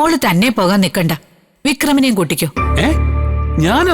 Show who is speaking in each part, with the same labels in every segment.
Speaker 1: മോള് തന്നെ പോകാൻ നിക്കണ്ട, വിക്രമിനെയും കൂട്ടിക്കോ.
Speaker 2: ഞാനോ?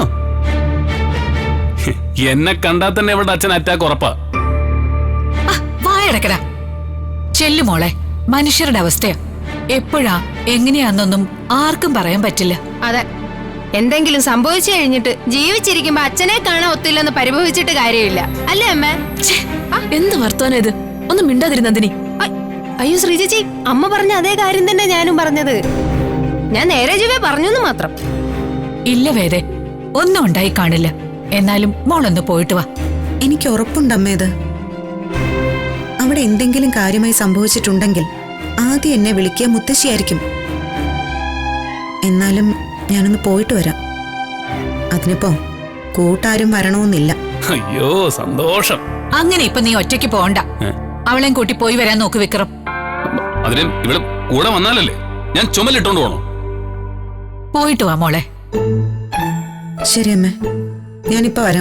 Speaker 2: എന്നെ കണ്ടാൽ തന്നെ ഇവിടെ അച്ഛൻ അറ്റാക്ക് ഉറപ്പാ.
Speaker 1: വായടക്കടാ. ചെല്ലു മോളെ, മനുഷ്യരുടെ അവസ്ഥയാ. എപ്പോഴാ എങ്ങനെയാന്നൊന്നും ആർക്കും പറയാൻ പറ്റില്ല.
Speaker 3: അതെ, എന്തെങ്കിലും സംഭവിച്ചു കഴിഞ്ഞിട്ട് ജീവിച്ചിരിക്കുമ്പോ അച്ഛനെ കാണാൻ ഒത്തില്ലെന്ന് പരിഭവിച്ചിട്ട് കാര്യമില്ല, അല്ലേ അമ്മ?
Speaker 4: എന്ത് വർത്താനം ഇത്? ഒന്നും മിണ്ടാതിരുന്നതിനി.
Speaker 3: അയ്യോ ശ്രീചേച്ചി, അമ്മ പറഞ്ഞ അതേ കാര്യം തന്നെ ഞാനും പറഞ്ഞത്. ഞാൻ നേരെ ചൊവ്വേ പറഞ്ഞെന്ന് മാത്രം.
Speaker 1: ഇല്ല വേദേ, ഒന്നും ഉണ്ടായി കാണില്ല. എന്നാലും മോളൊന്ന് പോയിട്ട് വാ.
Speaker 5: എനിക്ക് ഉറപ്പുണ്ടമ്മേത്. അവിടെ എന്തെങ്കിലും കാര്യമായി സംഭവിച്ചിട്ടുണ്ടെങ്കിൽ ആദ്യം എന്നെ വിളിക്കുക മുത്തശ്ശിയായിരിക്കും. എന്നാലും ഞാനൊന്ന് പോയിട്ട് വരാം. അതിനിപ്പോ കൂട്ടാരും വരണമെന്നില്ല.
Speaker 2: അയ്യോ സന്തോഷം.
Speaker 1: അങ്ങനെ ഇപ്പൊ നീ ഒറ്റയ്ക്ക് പോകണ്ട. അവളെയും കൂട്ടി പോയി വരാൻ നോക്ക് വിക്രം.
Speaker 2: അതിന് ഇവിടെ കൂടെ വന്നാലല്ലേ ഞാൻ ചുമലിട്ടോണ്ട് പോണോ?
Speaker 1: പോയിട്ട് വാ മോളെ.
Speaker 5: ശരി അമ്മേ, ഞാനിപ്പോ വരാം.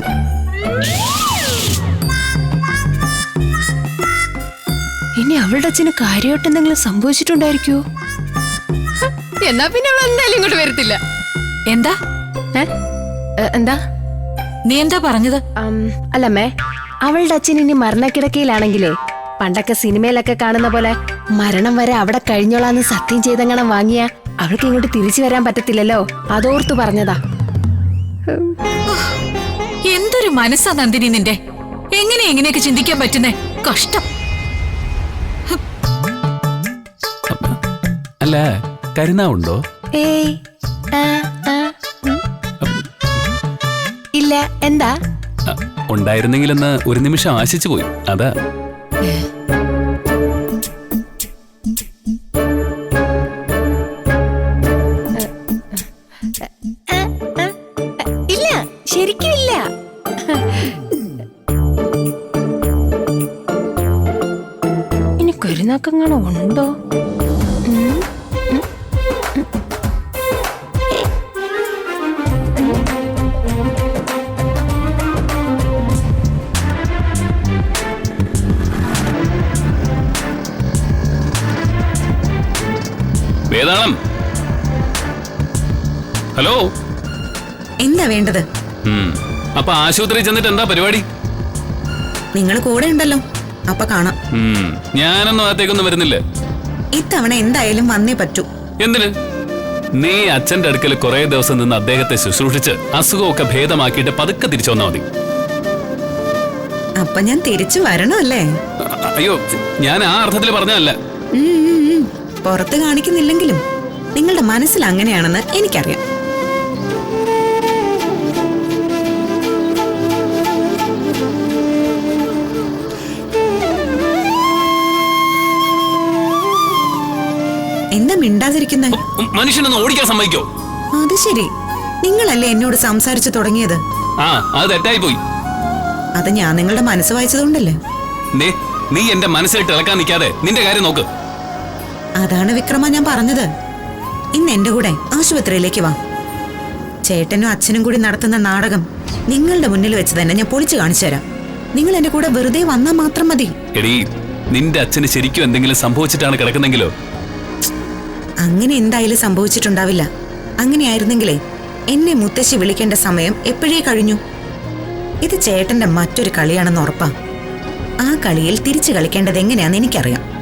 Speaker 3: ഇനി അവളുടെ അച്ഛന് കാര്യമായിട്ട് എന്തെങ്കിലും സംഭവിച്ചിട്ടുണ്ടായിരിക്കോ? എന്നാ പിന്നെ അവൾ എന്തായാലും ഇങ്ങോട്ട് വരത്തില്ല.
Speaker 1: എന്താ
Speaker 3: എന്താ
Speaker 1: നീ എന്താ പറഞ്ഞത്?
Speaker 3: അല്ലമ്മേ, അവളുടെ അച്ഛൻ ഇനി മരണക്കിടക്കയിലാണെങ്കിലേ പണ്ടൊക്കെ സിനിമയിലൊക്കെ കാണുന്ന പോലെ മരണം വരെ അവിടെ കഴിഞ്ഞോളാന്ന് സത്യം ചെയ്തങ്ങനെ വാങ്ങിയ അവൾക്ക് ഇങ്ങോട്ട് തിരിച്ചു വരാൻ പറ്റത്തില്ലല്ലോ, അതോർത്തു പറഞ്ഞതാ.
Speaker 1: എന്തൊരു മനസ്സാ നന്ദിനി നിന്റെ. എങ്ങനെയൊക്കെ ചിന്തിക്കാൻ പറ്റുന്നേ? കഷ്ടം.
Speaker 2: അല്ല, കരുനാവുണ്ടോ?
Speaker 3: ഏയ് ഇല്ല. എന്താ?
Speaker 2: ഉണ്ടായിരുന്നെങ്കിലെന്ന് ഒരു നിമിഷം ആശിച്ചു പോയി, അതാ.
Speaker 3: ഇല്ല, ശരിക്കും ഇല്ല. ഇനി കരുനാക്കങ്ങളോ ഉണ്ടോ?
Speaker 2: വേദാളം, ഹലോ.
Speaker 5: എന്താ വേണ്ടത്?
Speaker 2: അപ്പൊ ആശുപത്രി ചെന്നിട്ട് എന്താ പരിപാടി?
Speaker 5: നിങ്ങൾ കൂടെ ഉണ്ടല്ലോ, അപ്പൊ കാണാം.
Speaker 2: ഞാനൊന്നും അകത്തേക്കൊന്നും വരുന്നില്ല.
Speaker 5: ഇത്തവണ എന്തായാലും വന്നേ പറ്റൂ.
Speaker 2: എന്തിന്? നീ അച്ഛന്റെ അടുക്കൽ കുറെ ദിവസം നിന്ന് അദ്ദേഹത്തെ ശുശ്രൂഷിച്ച് അസുഖമൊക്കെ ഭേദമാക്കിയിട്ട് പതുക്കെ തിരിച്ചു വന്നാ മതി.
Speaker 5: അപ്പൊ ഞാൻ തിരിച്ചു വരണമല്ലേ?
Speaker 2: അയ്യോ, ഞാൻ ആ അർത്ഥത്തിൽ പറഞ്ഞതല്ല.
Speaker 5: പുറത്ത് കാണിക്കുന്നില്ലെങ്കിലും നിങ്ങളുടെ മനസ്സിൽ അങ്ങനെയാണെന്ന് എനിക്കറിയാം. എന്താ മിണ്ടാതിരിക്കുന്നേ?
Speaker 2: മനുഷ്യനൊന്ന് ഓടിക്കാൻ സമ്മതിക്കോ?
Speaker 5: അത് ശരി, നിങ്ങളല്ലേ എന്നോട് സംസാരിച്ചു തുടങ്ങിയത്?
Speaker 2: അത് തെറ്റായി പോയി.
Speaker 5: അത് ഞാൻ നിങ്ങളുടെ മനസ്സ് വായിച്ചതുകൊണ്ടല്ലേ.
Speaker 2: നീ എന്റെ മനസ്സിലിട്ട് ഇളക്കാൻ നിൽക്കാതെ നിന്റെ കാര്യം നോക്ക്.
Speaker 5: അതാണ് വിക്രമ ഞാൻ പറഞ്ഞത്. ഇന്ന് എന്റെ കൂടെ ആശുപത്രിയിലേക്ക് വാ. ചേട്ടനും അച്ഛനും കൂടി നടത്തുന്ന നാടകം നിങ്ങളുടെ മുന്നിൽ വെച്ച് തന്നെ ഞാൻ പൊളിച്ചു കാണിച്ചു തരാം. നിങ്ങൾ എന്റെ കൂടെ വെറുതെ വന്നാൽ മാത്രം മതി.
Speaker 2: എടീ, നിന്റെ അച്ഛന് ശരിക്കും എന്തെങ്കിലും സംഭവിച്ചിട്ടാണ് കിടക്കുന്നെങ്കിലോ?
Speaker 5: അങ്ങനെ എന്തായാലും സംഭവിച്ചിട്ടുണ്ടാവില്ല. അങ്ങനെയായിരുന്നെങ്കിലേ എന്നെ മുത്തശ്ശി വിളിക്കേണ്ട സമയം എപ്പോഴേ കഴിഞ്ഞു. ഇത് ചേട്ടന്റെ മറ്റൊരു കളിയാണെന്ന് ഉറപ്പാ. ആ കളിയിൽ തിരിച്ചു കളിക്കേണ്ടത് എങ്ങനെയാണെന്ന് എനിക്കറിയാം.